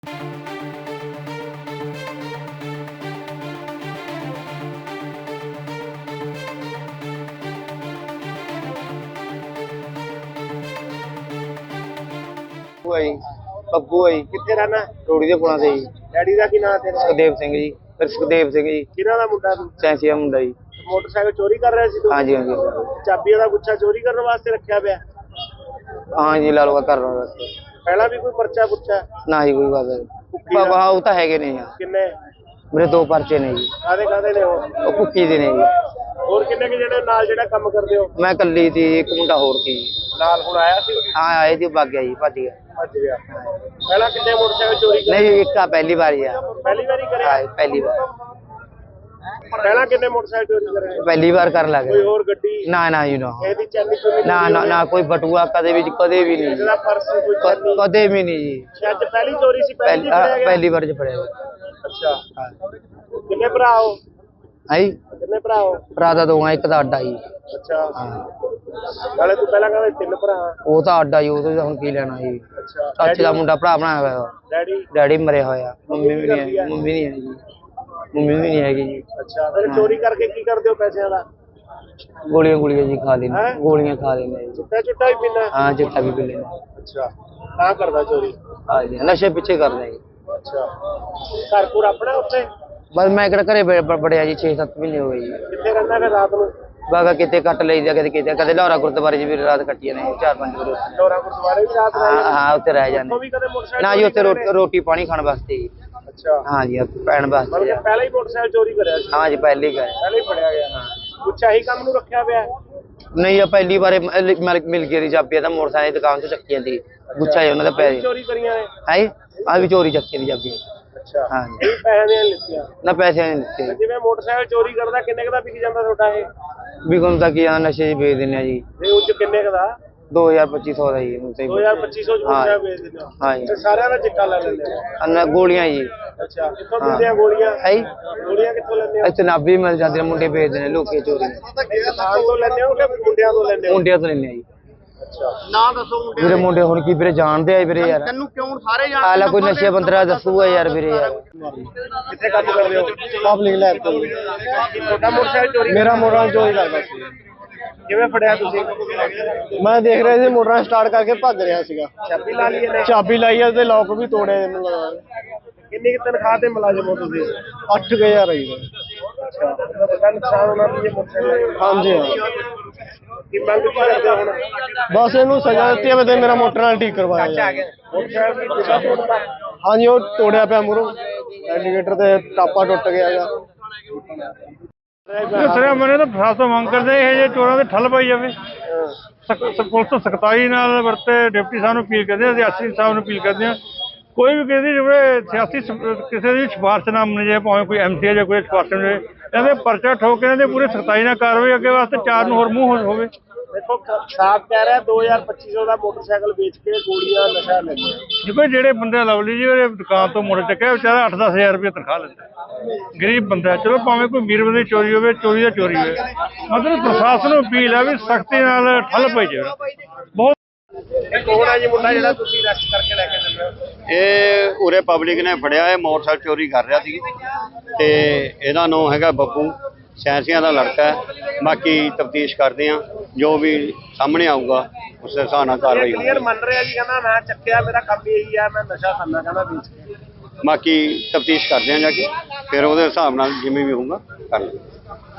ਬੱਬੂ ਹੈ ਜੀ। ਕਿੱਥੇ ਰਹਿਣਾ? ਰੋੜੀ ਦੇ ਪੁਲਾਂ ਤੇ ਜੀ। ਡੈਡੀ ਦਾ ਕੀ ਨਾਮ ਤੇਰਾ? ਸੁਖਦੇਵ ਸਿੰਘ ਜੀ। ਸੁਖਦੇਵ ਸਿੰਘ ਜੀ। ਕਿਹਨਾਂ ਦਾ ਮੁੰਡਾ ਤੂੰ? ਸੈਂਸੀਆ ਮੁੰਡਾ ਜੀ। ਮੋਟਰਸਾਈਕਲ ਚੋਰੀ ਕਰ ਰਿਹਾ ਸੀ ਤੂੰ? ਹਾਂਜੀ ਹਾਂਜੀ ਚਾਬੀ ਦਾ ਗੁੱਛਾ ਚੋਰੀ ਕਰਨ ਵਾਸਤੇ ਰੱਖਿਆ ਪਿਆ? ਹਾਂ ਜੀ, ਲਾ ਲਓ ਕਰ ਰਹਾ ਬਸ। ਪਹਿਲਾਂ ਵੀ ਕੋਈ ਪਰਚਾ ਪੁੱਛਾ? ਨਾ ਜੀ, ਕੋਈ ਬਾਤ ਵਾਹ ਉਹ ਤਾਂ ਹੈਗੇ ਨਹੀਂ ਯਾਰ। ਕਿੰਨੇ? ਮੇਰੇ 2 ਪਰਚੇ ਨੇ ਜੀ। ਕਾਦੇ ਨੇ ਉਹ ਭੁੱਕੀ ਦੇ ਨੇ ਜੀ। ਹੋਰ ਕਿੰਨੇ ਕਿ ਜਿਹੜੇ ਨਾਲ ਜਿਹੜਾ ਕੰਮ ਕਰਦੇ ਹੋ? ਮੈਂ ਇਕੱਲੀ ਸੀ, ਇੱਕ ਮੁੰਡਾ ਹੋਰ ਸੀ ਨਾਲ। ਹੁਣ ਆਇਆ ਸੀ? ਹਾਂ ਆਏ ਸੀ, ਭੱਜ ਗਿਆ ਜੀ, ਭੱਜ ਗਿਆ। ਪਹਿਲਾਂ ਕਿੰਨੇ ਮੋਟਰਸਾਈਕਲ ਚੋਰੀ ਕਰੇ? ਨਹੀਂ, ਇੱਕ ਆ ਪਹਿਲੀ ਵਾਰੀ ਆ। ਪਹਿਲੀ ਵਾਰੀ ਕਰਿਆ? ਹਾਂ ਪਹਿਲੀ ਵਾਰ। ਪਹਿਲਾਂ ਕਿੰਨੇ ਮੋਟਰਸਾਈਕਲ ਚੋਰੀ ਕਰੇ? ਪਹਿਲੀ ਵਾਰ ਕਰਨ ਲੱਗ ਕੋਈ ਹੋਰ ਗੱਡੀ? ਨਾ ਨਾ ਜੀ, ਨਾ ਇਹਦੀ ਚੈਨੀ ਚੁੰਨੀ? ਨਾ ਨਾ ਨਾ, ਕੋਈ ਬਟੂਆ ਕਦੇ ਵੀ ਵੀ ਨਹੀਂ ਜੀ। ਇਹਦਾ ਪਰਸ ਕੋਈ ਚੈਨੀ? ਕਦੇ ਵੀ ਨਹੀਂ ਜੀ। ਅੱਜ ਪਹਿਲੀ ਚੋਰੀ ਸੀ? ਪਹਿਲੀ ਵਾਰ ਚ ਫੜਿਆ। ਅੱਛਾ। ਕਿੰਨੇ ਭਰਾ ਹੋ? ਹੈ ਕਿੰਨੇ ਭਰਾ ਹੋ? ਭਰਾ ਦਾ 2 ਆ, ਇੱਕ ਦਾ ਅੱਡਾ ਜੀ। ਅੱਛਾ। ਨਾਲੇ ਤੂੰ ਪਹਿਲਾਂ ਕਹਿੰਦਾ 3 ਭਰਾ? ਉਹ ਤਾਂ ਅੱਡਾ ਜੀ, ਉਹ ਤੋਂ ਹੁਣ ਕੀ ਲੈਣਾ ਜੀ। ਅੱਛਾ। ਚਾਚੇ ਦਾ ਮੁੰਡਾ ਭਰਾ ਬਣਾਇਆ ਹੋਇਆ। ਡੈਡੀ ਮਰਿਆ ਹੋਇਆ। ਮੰਮੀ ਵੀ ਨਹੀਂ ਹੈ। ਮੰਮੀ ਨਹੀਂ ਹੈਗੀ ਜੀ। ਅੱਛਾ। ਫਿਰ ਚੋਰੀ ਕਰਕੇ ਕੀ ਕਰਦੇ ਹੋ ਪੈਸਿਆਂ ਦਾ? ਗੋਲੀਆਂ ਜੀ ਖਾ ਲੈਂਦੇ। ਗੋਲੀਆਂ ਖਾ ਲੈਂਦੇ ਜੀ। ਚਿੱਟਾ ਵੀ ਪੀਂਦਾ? ਹਾਂ, ਚਿੱਟਾ ਵੀ ਪੀ ਲੈਂਦੇ। ਅੱਛਾ। ਤਾਂ ਕਰਦਾ ਚੋਰੀ? ਹਾਂ ਜੀ, ਨਸ਼ੇ ਪਿੱਛੇ ਕਰਦਾ ਜੀ। ਅੱਛਾ। ਘਰ ਘੁਰ ਆਪਣਾ ਉੱਥੇ? ਬਸ ਮੈਂ ਕਿਹੜਾ ਘਰੇ ਬੜਿਆ ਜੀ, 6-7 ਮਹੀਨੇ ਹੋ ਗਏ ਜੀ। ਕਿੱਥੇ ਰਹਿੰਦਾ ਫਿਰ ਰਾਤ ਨੂੰ? ਬਾਗਾ ਕਿਤੇ ਕੱਟ ਲਈਦਾ, ਕਦੇ ਲਾਹੌਰਾ ਗੁਰਦੁਆਰੇ 'ਚ ਵੀ ਰਾਤ ਕੱਟੀ ਨੇ 4-5 ਵਾਰ। ਲਾਹੌਰਾ ਗੁਰਦੁਆਰੇ ਵੀ ਰਾਤ ਰਹਿ? ਹਾਂ, ਉੱਥੇ ਰਹਿ ਜਾਂਦੇ। ਨਾ ਜੀ, ਉੱਥੇ ਰੋਟੀ ਪਾਣੀ ਖਾਣ ਵਾਸਤੇ ਜੀ। ਅੱਛਾ। ਹਾਂ ਜੀ, ਪੈਣ ਵਾਸਤੇ। ਮਤਲਬ ਪਹਿਲਾਂ ਹੀ ਮੋਟਰਸਾਈਕਲ ਚੋਰੀ ਕਰਿਆ ਸੀ? ਹਾਂ ਜੀ, ਪਹਿਲੇ ਹੀ ਕਰਿਆ। ਪਹਿਲਾਂ ਹੀ ਫੜਿਆ ਗਿਆ? ਕੁਛ ਆਹੀ ਕੰਮ ਨੂੰ ਰੱਖਿਆ ਪਿਆ? ਨਹੀਂ, ਪਹਿਲੀ ਵਾਰ ਮਿਲ ਗਈ ਚਾਬੀ ਤਾਂ ਮੋਟਰਸਾਈਕਲ ਦੀ ਦੁਕਾਨ ਤੋਂ ਚੱਕੀ ਜਾਂਦੀ ਗੁੱਛਾ ਉਹਨਾਂ ਦਾ ਪੈ ਚੋਰੀ ਕਰੀਆਂ ਨੇ? ਹੈ ਆ ਵੀ ਚੋਰੀ ਚੱਕੀ ਦੀ ਚਾਬੀ। ਅੱਛਾ। ਹਾਂ ਜੀ। ਇਹ ਪੈਸੇ ਦੀਆਂ ਲਿੱਤੀਆਂ? ਨਾ ਪੈਸੇ ਨਹੀਂ ਦਿੱਤੇ। ਜਿਵੇਂ ਮੋਟਰਸਾਈਕਲ ਚੋਰੀ ਕਰਦਾ ਕਿੰਨੇ ਕੁ ਦਾ ਵਿਕ ਜਾਂਦਾ ਤੁਹਾਡਾ ਇਹ? ਵਿਕਣ ਦਾ ਕੀ ਆ, ਨਸ਼ੇ 'ਚ ਵੇਚ ਦਿੰਦੇ ਆ ਜੀ। ਤੇ ਉਹ 'ਚ ਕਿੰਨੇ ਕੁ ਦਾ? 2000-2500 ਦਾ ਜੀ। 2000-2500 ਚ ਮੋਟਰਸਾਈਕਲ ਵੇਚ ਦਿੰਦੇ ਹੋ? ਹਾਂ ਜੀ। ਤੇ ਸਾਰਿਆਂ ਦਾ ਚਿੱਟਾ ਲੈ ਲੈਂਦੇ ਹੋ? ਗੋਲੀਆਂ ਜੀ। ਅੱਛਾ। ਕਿੱਥੋਂ ਦਿੰਦੇ ਆ ਗੋਲੀਆਂ? ਹੈ ਗੋਲੀਆਂ ਕਿੱਥੋਂ ਲੈਂਦੇ ਹੋ? ਇੱਥੇ ਨਾਭੀ ਮਿਲ ਜਾਂਦੇ ਨੇ, ਮੁੰਡੇ ਵੇਚਦੇ ਨੇ ਲੋਕੀ ਚੋਰੀ। ਦੁਕਾਨ ਤੋਂ ਲੈਂਦੇ ਹੋ ਕਿ ਮੁੰਡਿਆਂ ਤੋਂ ਲੈਂਦੇ ਹੋ? ਮੁੰਡਿਆਂ ਤੋਂ ਲੈਂਦੇ ਆ ਜੀ। ਅੱਛਾ। ਨਾਂ ਦੱਸੋ ਮੁੰਡੇ ਵੀਰੇ। ਮੁੰਡੇ ਹੁਣ ਕੀ ਵੀਰੇ ਜਾਣਦੇ ਆ ਵੀਰੇ ਯਾਰ। ਤੈਨੂੰ ਕਿਉਂ ਸਾਰੇ ਜਾਣਦੇ? ਆਲਾ ਕੋਈ ਨਸ਼ੇ ਬੰਦਰਾ ਦੱਸੂਗਾ ਯਾਰ ਵੀਰੇ ਯਾਰ। ਕਿੱਥੇ ਕੰਮ ਕਰਦੇ ਹੋ? ਪਬਲਿਕ ਲੈਬ ਤੋਂ। ਤੁਹਾਡਾ ਮੋਟਰਸਾਈਕਲ ਚੋਰੀ? ਮੇਰਾ ਮੋਟਰਸਾਈਕਲ ਚੋਰੀ ਕਰਦਾ ਸੀ। ਕਿਵੇਂ ਫੜਿਆ ਤੁਸੀਂ? ਮੈਂ ਦੇਖ ਰਿਹਾ ਸੀ, ਮੋਟਰਾਂ ਸਟਾਰਟ ਕਰਕੇ ਭੱਜ ਰਿਹਾ ਸੀਗਾ। ਚਾਬੀ ਲਾ ਲਈ ਇਹਨੇ? ਚਾਬੀ ਲਾਈ ਆ ਤੇ ਲੌਕ ਵੀ ਤੋੜਿਆ ਇਹਨੂੰ ਲਗਾ। ਕਿੰਨੀ ਕੁ ਤਨਖਾਹ ਤੇ ਮੁਲਾਜ਼ਮ ਹੋ ਤੁਸੀਂ? 8000 ਆਈ ਦਾ। ਅੱਛਾ। ਤੁਹਾਡਾ ਨੁਕਸਾਨ ਹੋਣਾ ਵੀ ਇਹ ਮੋਟਰਸਾਈਕਲ? ਹਾਂਜੀ ਹਾਂ। ਕੀ ਮੰਗ ਕੀ ਕਰਦੇ ਹੋ ਹੁਣ? ਬਸ ਇਹਨੂੰ ਸਜ਼ਾ ਦਿੱਤੀ ਹੈ ਤੇ ਮੇਰਾ ਮੋਟਰ ਨਾਲ ਠੀਕ ਕਰਵਾਇਆ ਜਾਵੇ। ਮੋਟਰਸਾਈਕਲ ਦੀ ਦਿਸ਼ਾ ਤੋੜਦਾ? ਹਾਂਜੀ, ਉਹ ਤੋੜਿਆ ਪਿਆ ਮੂਹਰੋਂ। ਇੰਡੀਕੇਟਰ ਤੇ ਟਾਪਾ ਟੁੱਟ ਗਿਆ ਹੈਗਾ। ਸਰ ਮੈਨੇ ਤਾਂ ਪ੍ਰਸ਼ਾਸਨ ਮੰਗ ਕਰਦੇ ਇਹ ਜੇ ਚੋਰਾਂ ਦੇ ਠੱਲ ਪਾਈ ਜਾਵੇ। ਪੁਲਿਸ ਸਖਤਾਈ ਨਾਲ ਵਰਤੇ। ਡਿਪਟੀ ਸਾਹਿਬ ਨੂੰ ਅਪੀਲ ਕਰਦੇ ਹਾਂ, ਐਸਪੀ ਸਾਹਿਬ ਨੂੰ ਅਪੀਲ ਕਰਦੇ ਹਾਂ। ਕੋਈ ਵੀ ਕਿਸੇ ਦੀ ਸਿਆਸੀ ਕਿਸੇ ਦੀ ਸਿਫਾਰਿਸ਼ ਨਾ ਮੰਨੀ ਜਾਏ, ਭਾਵੇਂ ਕੋਈ ਐਮਸੀ ਜਾਂ ਕੋਈ ਸਿਫਾਰਿਸ਼ ਮਿਲੇ। ਇਹਦੇ ਪਰਚਾ ਠੋਕ ਕੇ ਇਹਦੇ ਪੂਰੇ ਸਖਤਾਈ ਨਾਲ ਕਾਰਵਾਈ ਅੱਗੇ ਵਾਸਤੇ 4 ਨੂੰ ਹੋਰ ਮੂੰਹ ਹੋਵੇ। ਦੇਖੋ ਸਾਫ਼ ਕਹਿ ਰਿਹਾ 2000-2500 ਦਾ ਮੋਟਰਸਾਈਕਲ ਵੇਚ ਕੇ ਗੋਲੀਆਂ ਨਸ਼ਾ ਲੈਂਦੇ। ਦੇਖੋ ਜਿਹੜੇ ਬੰਦੇ ਲਵਲੀ ਜੀ ਉਹਦੇ ਦੁਕਾਨ ਤੋਂ ਮੁੜ ਚੱਕਿਆ, ਵਿਚਾਰਾ 8-10 ਹਜ਼ਾਰ ਰੁਪਏ ਤਨਖਾਹ ਲੈਂਦਾ। ਗਰੀਬ ਬੰਦਾ। ਚਲੋ ਭਾਵੇਂ ਕੋਈ ਅਮੀਰ ਬੰਦੇ ਦੀ ਚੋਰੀ ਹੋਵੇ, ਚੋਰੀ ਦਾ ਚੋਰੀ ਹੋਵੇ। ਮਤਲਬ ਪ੍ਰਸ਼ਾਸਨ ਨੂੰ ਅਪੀਲ ਹੈ ਵੀ ਸਖਤੀ ਨਾਲ ਠੱਲ ਪਾਈ ਜਾਵੇ। ਬਹੁਤ ਕੌਣ ਹੈ ਜੀ ਮੁੰਡਾ ਜਿਹੜਾ ਤੁਸੀਂ ਅਰੈਸਟ ਕਰਕੇ ਲੈ ਕੇ ਚੱਲੇ ਹੋ? ਇਹ ਉਰੇ ਪਬਲਿਕ ਨੇ ਫੜਿਆ। ਇਹ ਮੋਟਰਸਾਈਕਲ ਚੋਰੀ ਕਰ ਰਿਹਾ ਸੀ ਤੇ ਇਹਦਾ ਨਾਮ ਹੈਗਾ ਬੱਬੂ। ਸੈਂਸੀਆਂ ਦਾ ਲੜਕਾ ਹੈ। ਬਾਕੀ ਤਫਤੀਸ਼ ਕਰਦੇ ਆ, ਜੋ ਵੀ ਸਾਹਮਣੇ ਆਊਗਾ ਉਸ ਦੇ ਹਿਸਾਬ ਨਾਲ ਕਾਰਵਾਈ ਹੋਊਗੀ। ਕਲੀਅਰ ਮੰਨ ਰਿਹਾ ਜੀ, ਕਹਿੰਦਾ ਮੈਂ ਚੱਕਿਆ, ਮੇਰਾ ਕੰਮ ਇਹੀ ਹੈ, ਮੈਂ ਨਸ਼ਾ ਕਰਨਾ ਕਹਿੰਦਾ ਵੇਚ ਕੇ। ਬਾਕੀ ਤਫਤੀਸ਼ ਕਰਦੇ ਆ ਜਾ ਕੇ, ਫਿਰ ਉਹਦੇ ਹਿਸਾਬ ਨਾਲ ਜਿਵੇਂ ਵੀ ਹੋਊਗਾ ਕਰ ਲਵਾਂਗੇ।